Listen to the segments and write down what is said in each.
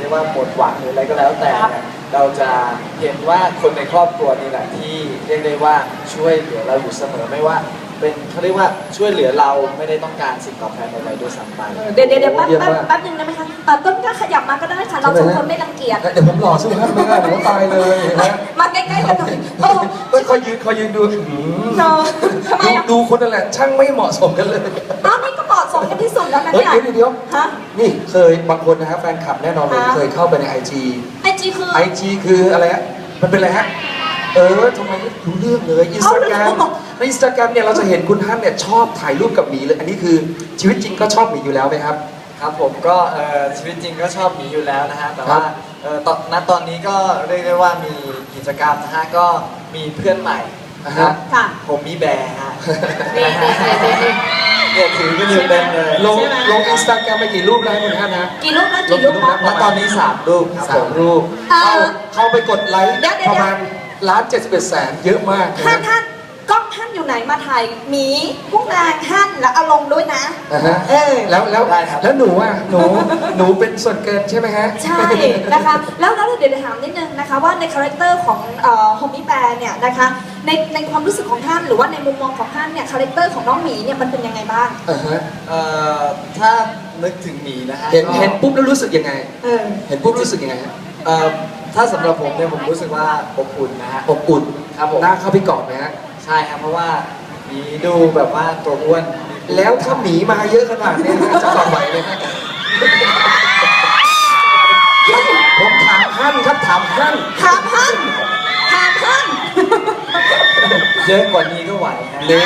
กว่าหมดหวังหรืออะไรก็แล้วแต่เนี่ยเราจะเห็นว่าคนในครอบครัวนี่แหละที่เรียกได้ว่าช่วยเหลือเราอยู่เสมอไม่ว่าเป็นเขาเรียกว่าช่วยเหลือเราไม่ได้ต้องการสิ่งตอบแทนอะไรด้วยซ้ำไปเดี๋ยวแป๊บนึงได้ไหมคะต้นก็ขยับมาก็ได้ค่ะเราสองคนไม่รังเกียจเดี๋ยวผมหล่อสู้ครับไม่ได้ผมตายเลยนะมาใกล้ๆกันหน่อยโอ้คอยยืนดูทำไมดูคนนั่นแหละช่างไม่เหมาะสมกันเลยนี่ก็เหมาะสมกันที่สุดแล้วนะเนี่ยเดี๋ยวฮะนี่เคยบางคนนะครับแฟนคลับแน่นอนเลยเคยเข้าไปใน IG คืออะไรฮะมันเป็นอะไรฮะทำไมไม่รู้เรื่องเลยอินสตาแกรมในอินสตาแกรมเนี่ยเราจะเห็นคุณท่านเนี่ยชอบถ่ายรูปกับหมีเลยอันนี้คือชีวิตจริงก็ชอบหมีอยู่แล้วไหมครับครับผมก็ชีวิตจริงก็ชอบหมีอยู่แล้วนะฮะแต่ว่าตอนนี้ก็เรียกได้ว่ามีกิจกรรมนะฮะก็มีเพื่อนใหม่นะครับผมมีแบร์ฮะเนี่ยถือกันอยู่เต็มเลยลงอินสตาแกรมไปกี่รูปแล้วคุณท่านนะกี่รูปนะณตอนนี้3 รูปครับผม 3 รูปเข้าไปกดไลค์ประมาณ1,71,000,000เยอะมากท่านกล้องท่านอยู่ไหนมาถ่ายหมีกุ้งนางท่านแล้วเอาลงด้วยนะแล้วหนูอ่ะหนูเป็นส่วนเกินใช่ไหมฮะใช่นะคะแล้วเดี๋ยวถามนิดนึงนะคะว่าในคาแรคเตอร์ของโฮมี่แบร์เนี่ยนะคะในความรู้สึกของท่านหรือว่าในมุมมองของท่านเนี่ยคาแรคเตอร์ของน้องหมีเนี่ยมันเป็นยังไงบ้างถ้านึกถึงหมีนะฮะเห็นปุ๊บแล้วรู้สึกยังไงเห็นปุ๊บรู้สึกยังไงฮะถ้าสำหรับผมเนี่ยผมรู้สึกว่าอบอุ่นนะฮะอบอุ่นครับผมน่าเข้าไปกอดไหมฮะใช่ครับเพราะว่าหมีดูแบบว่าตัวอ้วนแล้วถ้าหมีมาเยอะขนาดนี้จะกอดไหวเลยนะผมถามท่านครับถามท่านเยอะกว่านี้ก็ไหวนะเลย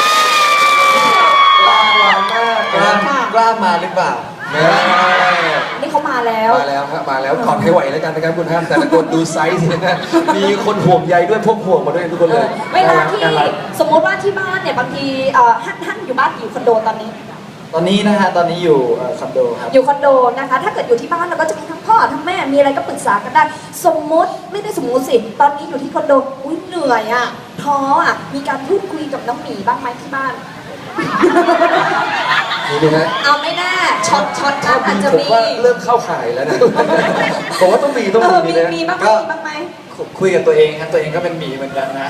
กล้ามาหรือเปล่านี่เขามาแล้วครับมาแล้วกอดให้ไหวแล้วกันนะครับคุณท่านแต่ละคนดูไซส์นะมีคนห่วงใยด้วยพวกห่วงมาด้วยทุกคนเลยเวลาที่สมมติว่าที่บ้านเนี่ยบางทีท่านอยู่บ้านอยู่คอนโดตอนนี้นะฮะตอนนี้อยู่คอนโดครับอยู่คอนโดนะคะถ้าเกิดอยู่ที่บ้านเราก็จะมีทั้งพ่อทั้งแม่มีอะไรก็ปรึกษากันได้สมมติไม่ได้สมมติสิตอนนี้อยู่ที่คอนโดอุ้ยเหนื่อยอ่ะท้ออ่ะมีการพูดคุยกับน้องหมีบ้างไหมที่บ้านมีไหมฮะเอาไม่แน่ช็อตกันอาจจะมีผมว่าเริ่มเข้าข่ายแล้วนะผมว่าต้องมีมีบ้างไหมคุยกับตัวเองครับตัวเองก็เป็นหมีเหมือนกันนะ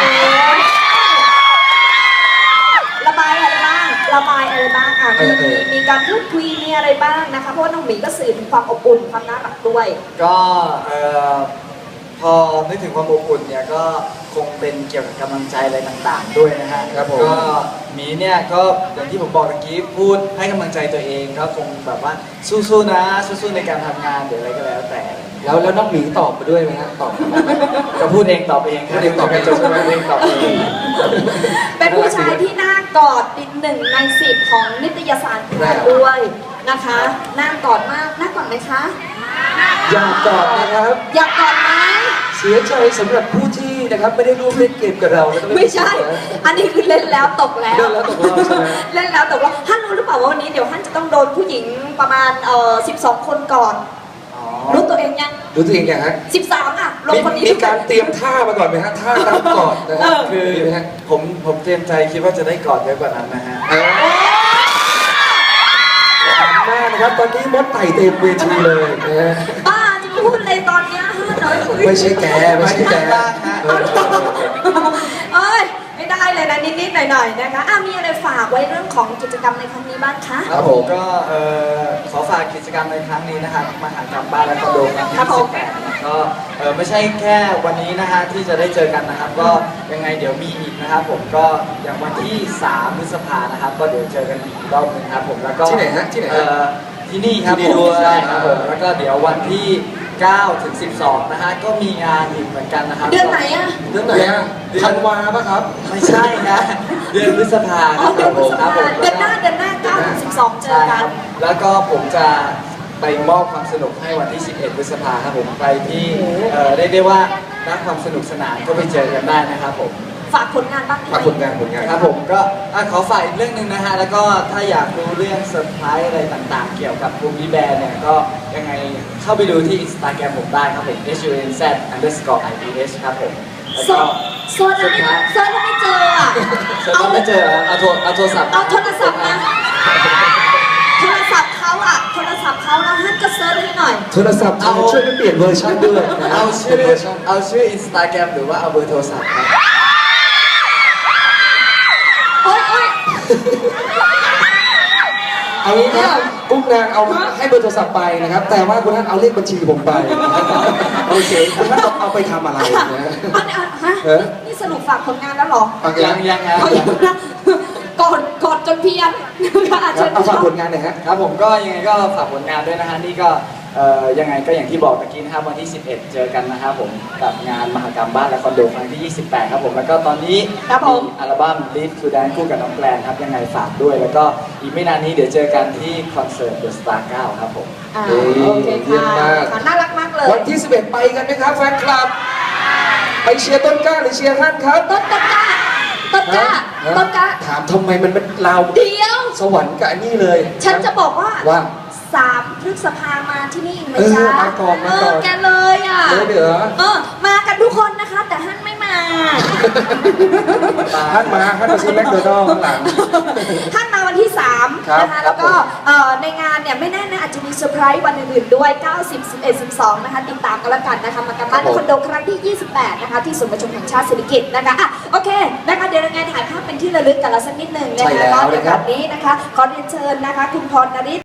ระบายอะไรบ้างมีการพูดคุยมีอะไรบ้างนะคะเพราะว่าน้องหมีก็สื่อถึงความอบอุ่นความน่ารักด้วยก็พอนึกถึงความอบอุ่นเนี่ยก็คงเป็นเกี่ยวกับกำลังใจอะไรต่างๆด้วยนะฮะก็หมีเนี่ยก็อย่างที่ผมบอกเมื่อกี้พูดให้กำลังใจตัวเองก็คงแบบว่าสู้ๆนะสู้ๆในการทำงานหรืออะไรก็แล้วแต่แล้วน้องหมีตอบไปด้วยไหมฮะตอบจะพูดเองตอบเองพูดเองตอบเองใช่ไหมเองตอบเองเป็นผู้ชายที่น่ากอดอีก1 ใน 10ของนิตยสารด้วยนะคะน่ากอดมากน่ากอดไหมคะอยากกอดนะครับอยากกอดไหมเสียใจสำหรับผู้ที่นะครับไม่ได้ร่วมเล่นเกมกับเราไม่ใช่อันนี้คือเล่นแล้วตกแล้วเล่นแล้วตกแล้วใช่ไหมเล่นแล้วตกแล้วท่านรู้หรือเปล่าว่าวันนี้เดี๋ยวท่านจะต้องโดนผู้หญิงประมาณ12 คนก่อนรู้ตัวเองยังรู้ตัวเองยังฮะ 13อ่ะลงคนนี้มีการเตรียมท่ามาก่อนไหมฮะท่ารับกอดนะครับคือผมเตรียมใจคิดว่าจะได้กอดเยอะกว่านั้นนะฮะแม่นะครับตอนนี้มดไต่เต็มเวทีเลยนะฮะบ้าจะมาพูดอะไรตอนนี้ไม่ใช่แกเอ้ยไม่ได้เลยนะนิดๆหน่อยๆนะคะมีอะไรฝากไว้เรื่องของกิจกรรมในครั้งนี้บ้างคะครับผมก็ขอฝากกิจกรรมในครั้งนี้นะครับมหากรรมบ้านและคอนโดครั้งที่18ก็ไม่ใช่แค่วันนี้นะฮะที่จะได้เจอกันนะครับก็ยังไงเดี๋ยวมีอีกนะครับผมก็อย่างวันที่3 พฤษภานะครับก็เดี๋ยวเจอกันอีกรอบนึงครับผมแล้วก็ที่ไหนฮะที่นี่ครับผมใช่ครับผมแล้วก็เดี๋ยววันที่9 ถึง 12นะฮะก็มีงานอีกเหมือนกันนะครับเดือนไหนอ่ะธันวาป่ะครับไม่ใช่นะเดือนพฤษภาครับผมเดือนหน้า9 ถึง 12เจอกันแล้วก็ผมจะไปมอบความสนุกให้วันที่11 พฤษภาครับผมใครที่ได้ว่ารักความสนุกสนานก็ไปเจอกันได้นะครับผมฝากผลงานบ้างฝากผลงานครับผมก็ขอฝากอีกเรื่องนึงนะฮะแล้วก็ถ้าอยากรู้เรื่องเซอร์ไพรส์อะไรต่างๆเกี่ยวกับภูมิแบรนด์เนี่ยก็ยังไงเข้าไปดูที่ Instagram ผมได้ครับผม hunz_ibs ครับผมเซิร์ชแล้วไม่เจออ่ะเอาไม่เจอเอาโทรศัพท์นะโทรศัพท์เขาอ่ะโทรศัพท์เขาแล้วท่านก็เซิร์ชให้หน่อยน่อยโทรศัพท์ช่วยไปเปลี่ยนเวอร์ชันด้วยนะเอาชื่อเวอร์ชันเอาชื่อ Instagram หรือว่าเอาเบอร์โทรศัพท์ครับโอ๊ยโอ๊ยเอางี้ครับกุ้งนางเอาให้เบอร์โทรศัพท์ไปนะครับ แต่ว่าคุณท่านเอาเลขบัญชีผมไปโอเคคุณท่านเอาไปทำอะไรนะฮะเออนี่สรุปฝากผลงานแล้วเหรอยังครับเอาอย่างนะกดจนเพี้ยนนะคะอาจจะเอาฝากผลงานหน่อยฮะครับผมก็ยังไงก็ฝากผลงานด้วยนะฮะนี่ก็ยังไงก็อย่างที่บอกเมื่อกี้นะครับวันที่ 11 เจอกันนะครับผมกับงานมหกรรมบ้านและคอนโดครั้งที่ 28 ครับผมแล้วก็ตอนนี้ครับผมมีอัลบั้ม Live to Dance คู่กับน้องแกลนครับยังไงฝากด้วย แล้วก็อีกไม่นานนี้เดี๋ยวเจอกันที่คอนเสิร์ต The Star 9 ครับผมอ่าเฮ้ยโอเคเยี่ยมค่ะมากค่ะน่ารักมากเลยวันที่ 11 ไปกันไหมครับแฟนคลับ ไปเชียร์ต้นกล้าหรือเชียร์ท่านครับต้นกล้าต้นกล้าฮะต้นกล้าถามทำไมมันเป็นเราเดียวสวรรค์กับอันนี้เลยฉันจะบอกว่าว่า 3 พฤษภามาที่นี่ไหมเออจ๊ะมาก่อนมาก่อนแกเลยอ่ะเลยเหรอมากันทุกคนนะคะ แต่ฮั่นไม่มาท่านมาซื้อแมคโดนัลด์ข้างหลังท่านมาวันที่ 3 ครับนะคะครัแล้บวก็ในงานเนี่ยไม่แน่นะอาจจะมีเซอร์ไพรส์วันอื่นๆด้วย 90 11 12 นะคะ ติดตามกันแล้วกันนะคะ มากันบ้านคอนโดครั้งที่ 28 นะคะ ที่ศูนย์ประชุมแห่งชาติเศรษฐกิจนะคะอ่ะโอเคนะคะเดี๋ยวยังไงถ่ายภาพเป็นที่ระลึกกันละสักนิดหนึ่งนะใช่คะแล้วก็ในนะครับแบบนี้นะคะ ขอเรียนเชิญนะคะ คุณพรนฤทธิ์